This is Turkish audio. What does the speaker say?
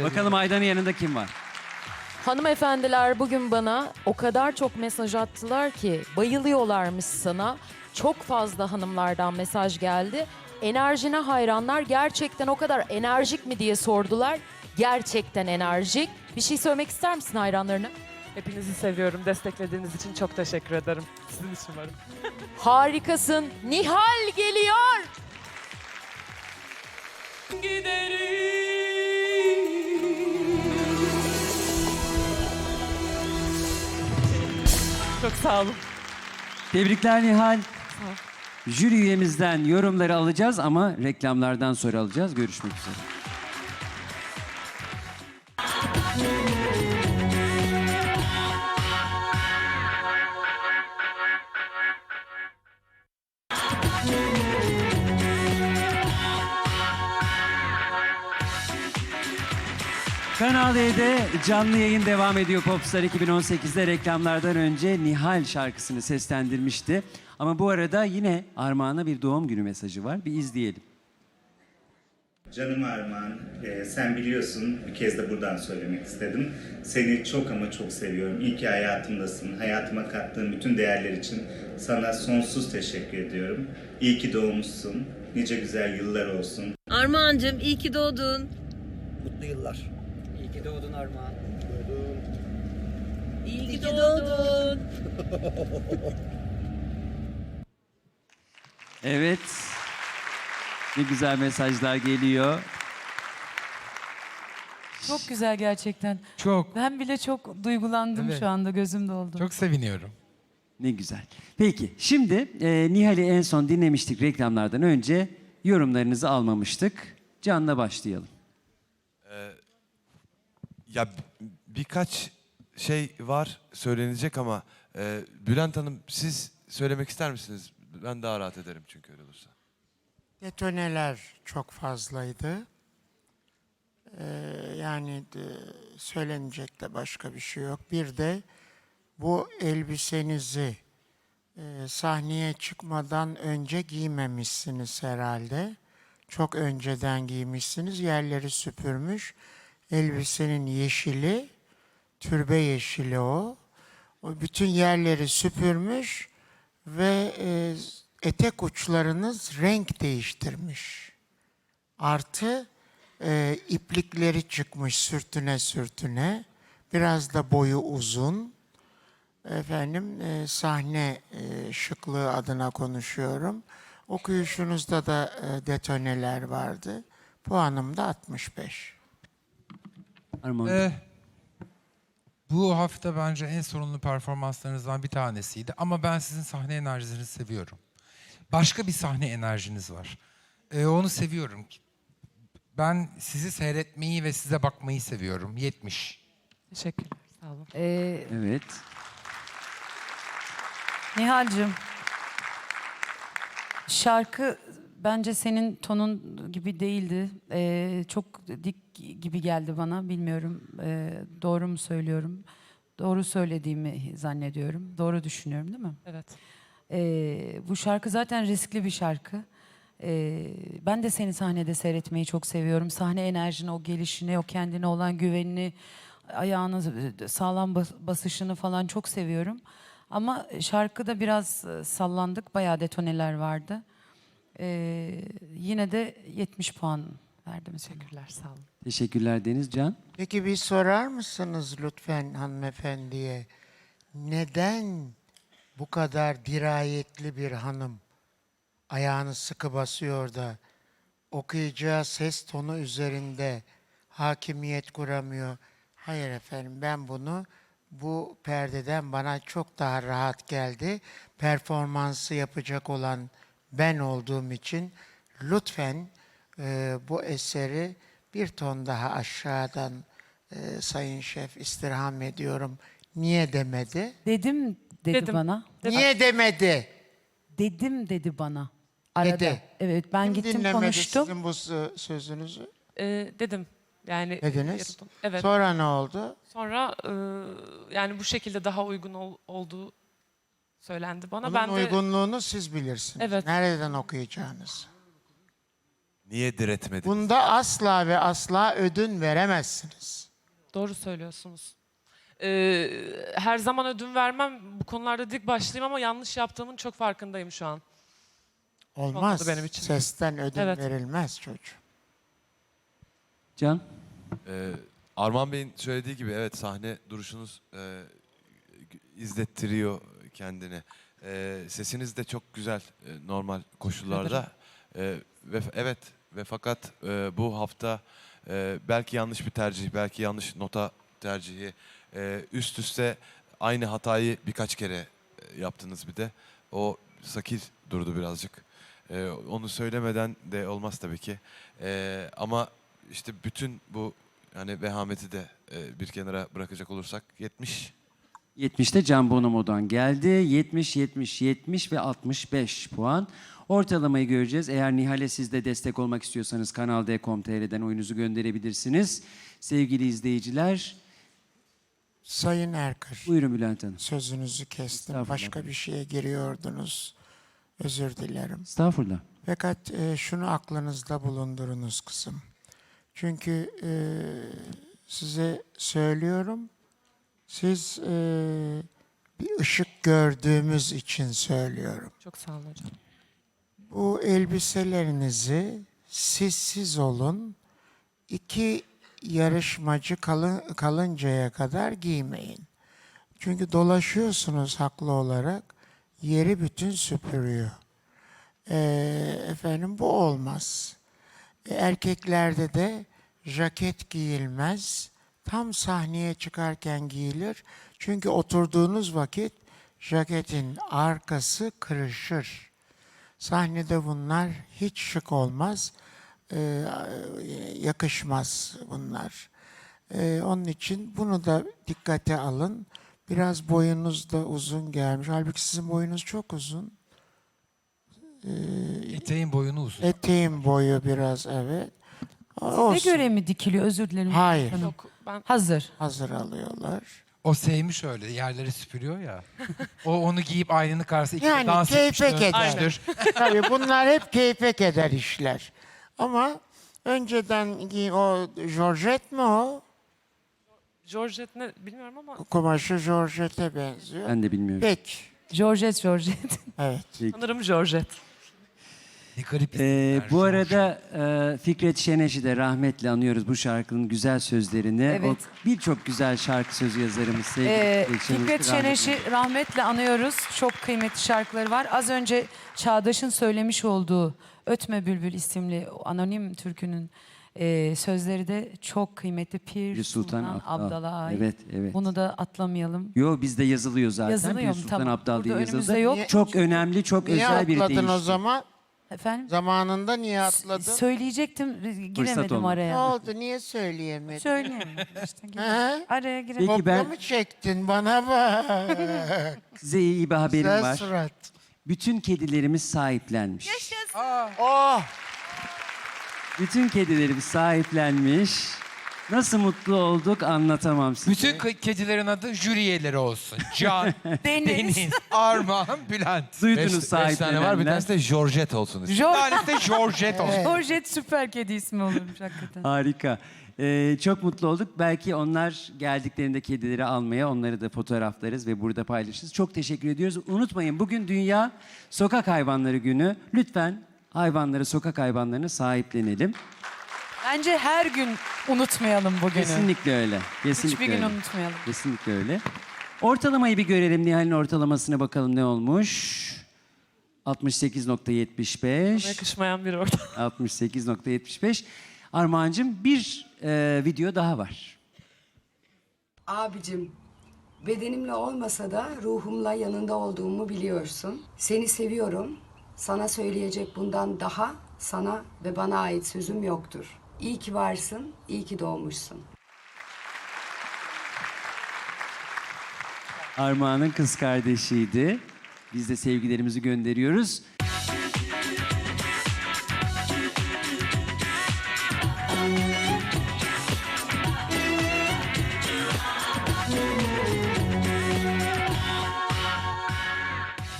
Bakalım Aydan'ın yanında kim var? Hanımefendiler bugün bana o kadar çok mesaj attılar ki bayılıyorlarmış sana. Çok fazla hanımlardan mesaj geldi. Enerjine hayranlar, gerçekten o kadar enerjik mi diye sordular. Gerçekten enerjik. Bir şey söylemek ister misin hayranlarına? Hepinizi seviyorum. Desteklediğiniz için çok teşekkür ederim. Sizin için varım. Harikasın. Nihal geliyor. Çok sağ olun. Tebrikler Nihal. Jüri üyemizden yorumları alacağız ama reklamlardan sonra alacağız. Görüşmek üzere. Kanal D'de canlı yayın devam ediyor. Popstar 2018'de reklamlardan önce Nihal şarkısını seslendirmişti. Ama bu arada yine Armağan'a bir doğum günü mesajı var. Bir izleyelim. Canım Armağan, sen biliyorsun, bir kez de buradan söylemek istedim. Seni çok ama çok seviyorum. İyi ki hayatımdasın. Hayatıma kattığın bütün değerler için sana sonsuz teşekkür ediyorum. İyi ki doğmuşsun. Nice güzel yıllar olsun. Armağancığım iyi ki doğdun. Mutlu yıllar. İyi ki doğdun Armağan. İyi ki doğdun. Evet. Ne güzel mesajlar geliyor. Çok güzel gerçekten. Çok, Ben bile çok duygulandım Evet. şu anda, gözüm doldu. çok seviniyorum. Ne güzel. Peki şimdi Nihal'i en son dinlemiştik reklamlardan önce. Yorumlarınızı almamıştık. Can'la başlayalım. Ya birkaç şey var söylenecek ama Bülent Hanım siz söylemek ister misiniz? Ben daha rahat ederim çünkü öyle olursa. Detoneler çok fazlaydı. Söylenecek de başka bir şey yok. Bir de bu elbisenizi sahneye çıkmadan önce giymemişsiniz herhalde. Çok önceden giymişsiniz. Yerleri süpürmüş. Elbisenin yeşili, türbe yeşili o. O bütün yerleri süpürmüş ve etek uçlarınız renk değiştirmiş. Artı iplikleri çıkmış sürtüne sürtüne. Biraz da boyu uzun. Sahne şıklığı adına konuşuyorum. Okuyuşunuzda da detoneler vardı. Puanım da 65. Armağan. Bu hafta bence en sorunlu performanslarınızdan bir tanesiydi. Ama ben sizin sahne enerjinizi seviyorum. Başka bir sahne enerjiniz var. Onu seviyorum. Ben sizi seyretmeyi ve size bakmayı seviyorum. 70. Teşekkürler. Sağ olun. Evet. Nihal'cığım, şarkı bence senin tonun gibi değildi. Çok dik gibi geldi bana, bilmiyorum. Doğru mu söylüyorum? Doğru söylediğimi zannediyorum. Doğru düşünüyorum değil mi? Evet. Bu şarkı zaten riskli bir şarkı. Ben de seni sahnede seyretmeyi çok seviyorum. Sahne enerjini, o gelişini, o kendine olan güvenini, ayağını sağlam basışını falan çok seviyorum. Ama şarkıda biraz sallandık, bayağı detoneler vardı. Yine de 70 puan verdim. Teşekkürler. Sağ olun. Teşekkürler Deniz. Can. Peki bir sorar mısınız lütfen hanımefendiye? Neden bu kadar dirayetli bir hanım ayağını sıkı basıyor da okuyacağı ses tonu üzerinde hakimiyet kuramıyor? Hayır efendim, ben bunu bu perdeden bana çok daha rahat geldi. Performansı yapacak olan ben olduğum için lütfen bu eseri bir ton daha aşağıdan Sayın Şef istirham ediyorum. Niye demedi? Dedim dedi Dedim. bana. Niye demedi? Dedim dedi bana. Arada. Dedi. Evet, ben Kim gittim dinlemedi konuştum. sizin bu sözünüzü? Dedim. Yani Dediniz. yaptım. Evet. Sonra ne oldu? Sonra yani bu şekilde daha uygun olduğu söylendi bana. Bunun Ben de uygunluğunu siz bilirsiniz. Evet. Nereden okuyacağınız? Niye diretmediniz? Bunda asla ve asla ödün veremezsiniz. Doğru söylüyorsunuz. Her zaman ödün vermem. Bu konularda dik başlıyım ama yanlış yaptığımın çok farkındayım şu an. Olmaz. Olmadı benim için. Sesten ödün Evet. verilmez çocuğum. Can? Armağan Bey'in söylediği gibi evet sahne duruşunuz izlettiriyor kendini. Sesiniz de çok güzel normal koşullarda. Ve fakat bu hafta belki yanlış bir tercih, belki yanlış nota tercihi üst üste aynı hatayı birkaç kere yaptınız bir de. O sakil durdu birazcık. Onu söylemeden de olmaz tabii ki. Ama işte bütün bu yani vehameti de bir kenara bırakacak olursak 70. 70'te Can Bonomo'dan geldi. 70, 70, 70 ve 65 puan. Ortalamayı göreceğiz. Eğer Nihal'e siz de destek olmak istiyorsanız Kanal D.com.tr'den oyunuzu gönderebilirsiniz. Sevgili izleyiciler, Sayın Erkır, buyurun Bülent Hanım. sözünüzü kestim. Estağfurullah. Başka bir şeye giriyordunuz. Özür dilerim. Estağfurullah. Fakat şunu aklınızda bulundurunuz kızım. Çünkü size söylüyorum, siz bir ışık gördüğümüz için söylüyorum. Çok sağ olun hocam. Bu elbiselerinizi siz olun, 2 yarışmacı kalıncaya kadar giymeyin. Çünkü dolaşıyorsunuz haklı olarak, yeri bütün süpürüyor. Efendim bu olmaz. Erkeklerde de jaket giyilmez. Tam sahneye çıkarken giyilir. Çünkü oturduğunuz vakit jaketin arkası kırışır. Sahnede bunlar hiç şık olmaz. Yakışmaz bunlar. Onun için bunu da dikkate alın. Biraz boyunuz da uzun gelmiş. Halbuki sizin boyunuz çok uzun. Eteğin boyunu uzun. Eteğin boyu biraz evet. Ne Olsun. göre mi dikiliyor? Özür dilerim. Hayır. Hanım. Yok ben Hazır. Hazır alıyorlar. O sevmiş öyle yerleri süpürüyor ya. O onu giyip aynanın karşısında Yani dans keyfe etmiştir, keder. öpmüştür. Tabii bunlar hep keyfe keder işler. Ama önceden o Georgette mi o? Georgette ne bilmiyorum ama Kumaşı Georgette'e benziyor. Ben de bilmiyorum. Peki. Georgette. Evet. sanırım Georgette. Ne garip Bu arada Fikret Şeneş'i de rahmetle anıyoruz bu şarkının güzel sözlerini. Evet. O birçok güzel şarkı sözü yazarımız sevgili Fikret Şeneş'i rahmetle anıyoruz. Çok kıymetli şarkıları var. Az önce Çağdaş'ın söylemiş olduğu Ötme Bülbül isimli o anonim türkünün sözleri de çok kıymetli. Pir Sultan Abdal'a ait. Evet, evet. Bunu da atlamayalım. Yo bizde yazılıyor zaten. Yazılıyor Pir mu? Sultan Tamam. Abdal diye Burada yazıldı. önümüzde yok. Çok önemli, çok Niye özel bir atladın deyişti. o zaman? Efendim? Zamanında niye atladın? Söyleyecektim, giremedim olmadı. Ne araya. oldu? Niye söyleyemedin? Söyleyeyim. İşte, Hı? araya giremedim. Peki Kopya ben mı çektin bana bak? size iyi bir haberim Güzel var. surat. Bütün kedilerimiz sahiplenmiş. Oh! Bütün kedilerimiz sahiplenmiş. Nasıl mutlu olduk anlatamam size. Bütün kedilerin adı jüri üyeleri olsun. Can, Deniz. Deniz, Armağan, Bülent. Duydunuz 5 tane var, bir sahiplenenler. tanesi de Georgette olsun. Bir tanesi de Georgette olsun. Georgette süper kedi ismi olurmuş hakikaten. Harika. Çok mutlu olduk. Belki onlar geldiklerinde kedileri almaya onları da fotoğraflarız ve burada paylaşırız. Çok teşekkür ediyoruz. Unutmayın bugün Dünya Sokak Hayvanları Günü. Lütfen hayvanları, sokak hayvanlarını sahiplenelim. Bence her gün unutmayalım bugünü. Kesinlikle öyle. Kesinlikle Hiçbir gün öyle. unutmayalım. Kesinlikle öyle. Ortalamayı bir görelim. Nihal'in ortalamasına bakalım ne olmuş. 68.75. Yakışmayan bir ortam. 68.75. Armağan'cığım bir video daha var. Abicim, bedenimle olmasa da ruhumla yanında olduğumu biliyorsun. Seni seviyorum. Sana söyleyecek bundan daha sana ve bana ait sözüm yoktur. İyi ki varsın, iyi ki doğmuşsun. Armağan'ın kız kardeşiydi. Biz de sevgilerimizi gönderiyoruz.